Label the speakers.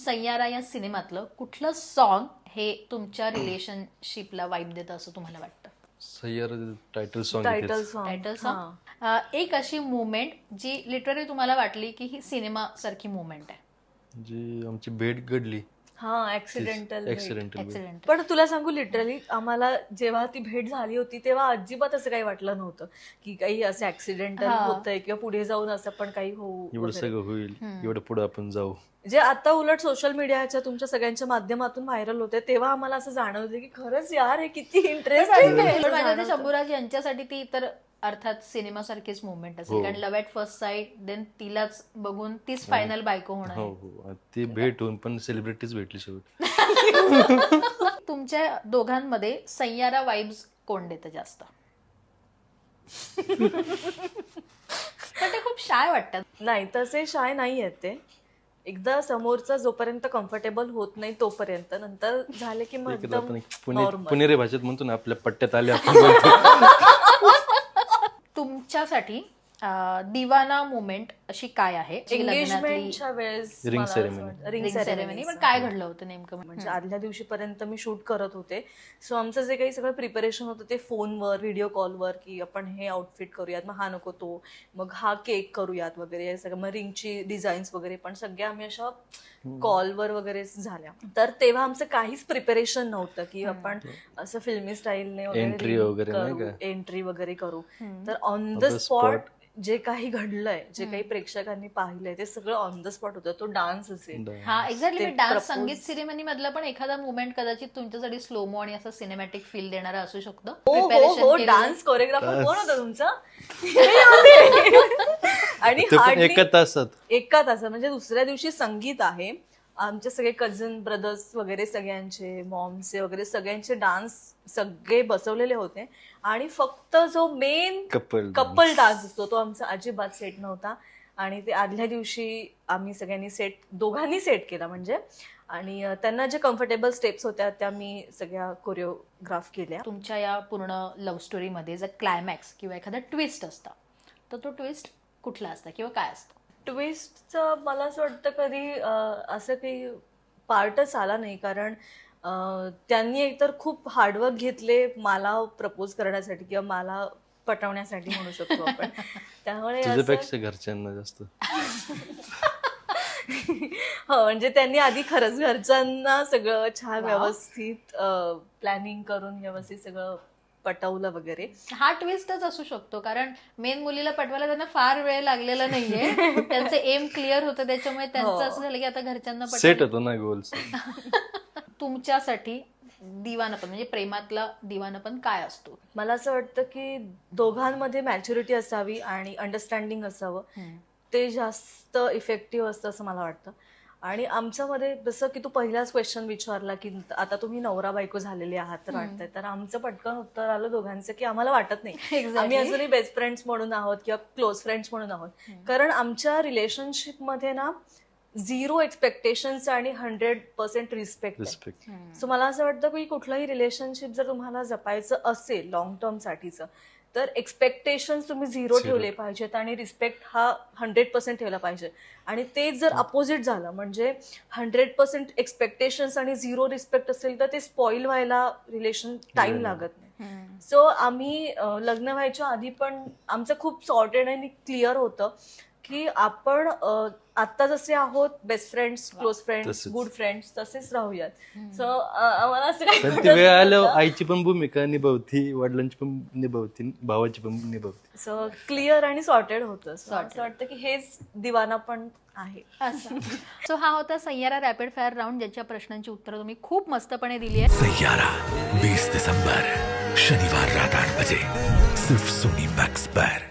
Speaker 1: सैयारा या सिनेमातलं कुठलं सॉन्ग हे तुमच्या रिलेशनशिपला वाईब देतं असं तुम्हाला वाटतं?
Speaker 2: Saiyaara title song.
Speaker 1: Title song. एक अशी मुवमेंट जी लिटरली तुम्हाला वाटली की ही सिनेमा सारखी मुवमेंट आहे,
Speaker 2: जी आमची भेट घडली.
Speaker 3: ऍक्सिडेंटल. पण तुला सांगू, लिटरली आम्हाला जेव्हा ती भेट झाली होती तेव्हा अजिबात असं काही वाटलं नव्हतं की काही असं ऍक्सिडेंटल होतंय किंवा पुढे जाऊन असं पण काही होऊ,
Speaker 2: एवढं सगळं होईल, एवढं पुढे आपण जाऊ.
Speaker 3: जे आता उलट सोशल मीडियाच्या तुमच्या सगळ्यांच्या माध्यमातून व्हायरल होते तेव्हा आम्हाला असं जाणवतं की खरंच यार हे किती इंटरेस्टिंग.
Speaker 1: शंभूराज यांच्यासाठी ती तर अर्थात सिनेमा सारखीच मुवमेंट असेल, कारण love at first sight, then तिलाच बघून तीच फायनल बायको होणार.
Speaker 2: हो, ती भेट होऊन पण सेलिब्रिटीज भेटली शेवटी.
Speaker 3: तुमच्या दोघांमध्ये सैयारा वाइब्स कोण देतं जास्त?
Speaker 1: पण ते खूप शाय वाटतात.
Speaker 3: नाही, तसे शाय नाही आहेत ते. एकदा समोरचा जोपर्यंत कम्फर्टेबल होत नाही तोपर्यंत, नंतर झाले की मग
Speaker 2: पुणेरी भाषेत म्हणतो ना, आपल्या पट्ट्यात आले आपण.
Speaker 1: तुमच्यासाठी दिवाना मुवमेंट अशी काय आहे?
Speaker 3: एंगेजमेंटच्या वेळेस
Speaker 2: रिंग सेरेमनी.
Speaker 1: पण काय घडलं होतं नेमकं?
Speaker 3: म्हणजे आदल्या दिवशीपर्यंत मी शूट करत होते, सो आमचं जे काही सगळं प्रिपरेशन होतं ते फोनवर, व्हिडिओ कॉलवर, की आपण हे आउटफिट करूयात, मग हा नको तो, मग हा केक करूयात वगैरे, हे सगळं. मग रिंगची डिझाईन्स वगैरे पण सगळ्या आम्ही अशा कॉलवर वगैरे झाल्या. तर तेव्हा आमचं काहीच प्रिपरेशन नव्हतं की आपण असं फिल्मी स्टाईलने एंट्री वगैरे करू. तर ऑन द स्पॉट जे काही घडलंय, जे काही प्रेक्षकांनी पाहिलंय ते सगळं ऑन द स्पॉट होतं. तो डान्स असेल.
Speaker 1: हा, एक्झॅक्टली. डान्स, संगीत सेरेमनी मधला पण एखादा मुवमेंट कदाचित तुमच्यासाठी स्लोमो आणि असं सिनेमॅटिक फील देणारा असू शकतो.
Speaker 3: हो, डान्स कोरिओग्राफर कोण होता तुमचा? आणि
Speaker 2: एका तासात
Speaker 3: म्हणजे दुसऱ्या दिवशी संगीत आहे. आमचे सगळे कझन ब्रदर्स वगैरे सगळ्यांचे, मॉमचे वगैरे सगळ्यांचे डान्स सगळे बसवलेले होते आणि फक्त जो मेन कपल डान्स असतो तो आमचा अजिबात सेट नव्हता. आणि ते आदल्या दिवशी आम्ही सगळ्यांनी दोघांनी सेट केला म्हणजे. आणि त्यांना जे कम्फर्टेबल स्टेप्स होत्या त्या मी सगळ्या कोरिओग्राफ केल्या.
Speaker 1: तुमच्या या पूर्ण लव्ह स्टोरीमध्ये जर क्लायमॅक्स किंवा एखादा ट्विस्ट असता तर तो ट्विस्ट कुठला असता किंवा काय असतं?
Speaker 3: ट्विस्टचं मला असं वाटतं कधी असं काही पार्टच आला नाही, कारण त्यांनी एकतर खूप हार्डवर्क घेतले मला प्रपोज करण्यासाठी किंवा मला पटवण्यासाठी म्हणू शकतो आपण. त्यामुळे
Speaker 2: तुझ्यापेक्षा घरच्यांना जास्त.
Speaker 3: हो, म्हणजे त्यांनी आधी खरंच घरच्यांना सगळं छान व्यवस्थित प्लॅनिंग करून व्यवस्थित सगळं पटवलं वगैरे.
Speaker 1: हा ट्विस्टच असू शकतो, कारण मेन मुलीला पटवायला त्यांना फार वेळ लागलेला नाहीये. त्यांचं एम क्लिअर होतं, त्याच्यामुळे त्यांचं असं झालं की आता घरच्यांना
Speaker 2: सेट होतो ना गोल्स.
Speaker 1: तुमच्यासाठी दिवानपण म्हणजे प्रेमातला दिवानपण काय असतो?
Speaker 3: मला असं वाटतं की दोघांमध्ये मॅच्युरिटी असावी आणि अंडरस्टँडिंग असावं. ते जास्त इफेक्टिव्ह असतं असं मला वाटतं. आणि आमच्यामध्ये जसं की तू पहिलाच क्वेश्चन विचारला की आता तुम्ही नवरा बायको झालेले आहात तर वाटतंय, तर आमचं पटकन उत्तर आलं दोघांचं की आम्हाला वाटत नाही. आम्ही अजूनही बेस्ट फ्रेंड्स म्हणून आहोत किंवा क्लोज फ्रेंड्स म्हणून आहोत. कारण आमच्या रिलेशनशिपमध्ये ना 0 एक्सपेक्टेशन्स आणि 100% रिस्पेक्ट. सो मला असं वाटतं की कुठलंही रिलेशनशिप जर तुम्हाला जपायचं असेल लॉंग टर्म साठीचं, तर एक्सपेक्टेशन्स तुम्ही 0 ठेवले पाहिजेत आणि रिस्पेक्ट हा 100% ठेवला पाहिजे. आणि तेच जर अपोजिट झालं म्हणजे 100% एक्सपेक्टेशन्स आणि 0 रिस्पेक्ट असेल तर ते स्पॉइल व्हायला रिलेशन टाइम लागत नाही. सो आम्ही लग्न व्हायच्या आधी पण आमचं खूप सॉर्टेड आणि क्लिअर होतं की आपण आता जसे आहोत best friends, close friends, good friends तसेच राहूयात. सो आम्हाला असं काही
Speaker 2: वेळ आलं आईची पण भूमिका निभावती, वडिलांची पण निभावती, भावाची पण निभावती.
Speaker 3: सो क्लिअर आणि सॉर्टेड होतं. असं वाटतं की हेच दिवाना पण आहे.
Speaker 1: सो हा होता सैयारा रॅपिड फायर राऊंड, ज्याच्या प्रश्नांची उत्तरं तुम्ही खूप मस्तपणे दिली आहे.
Speaker 4: सैयारा 20 दिसंबर शनिवार रात 8 बजे सिर्फ सोनी मैक्स पर.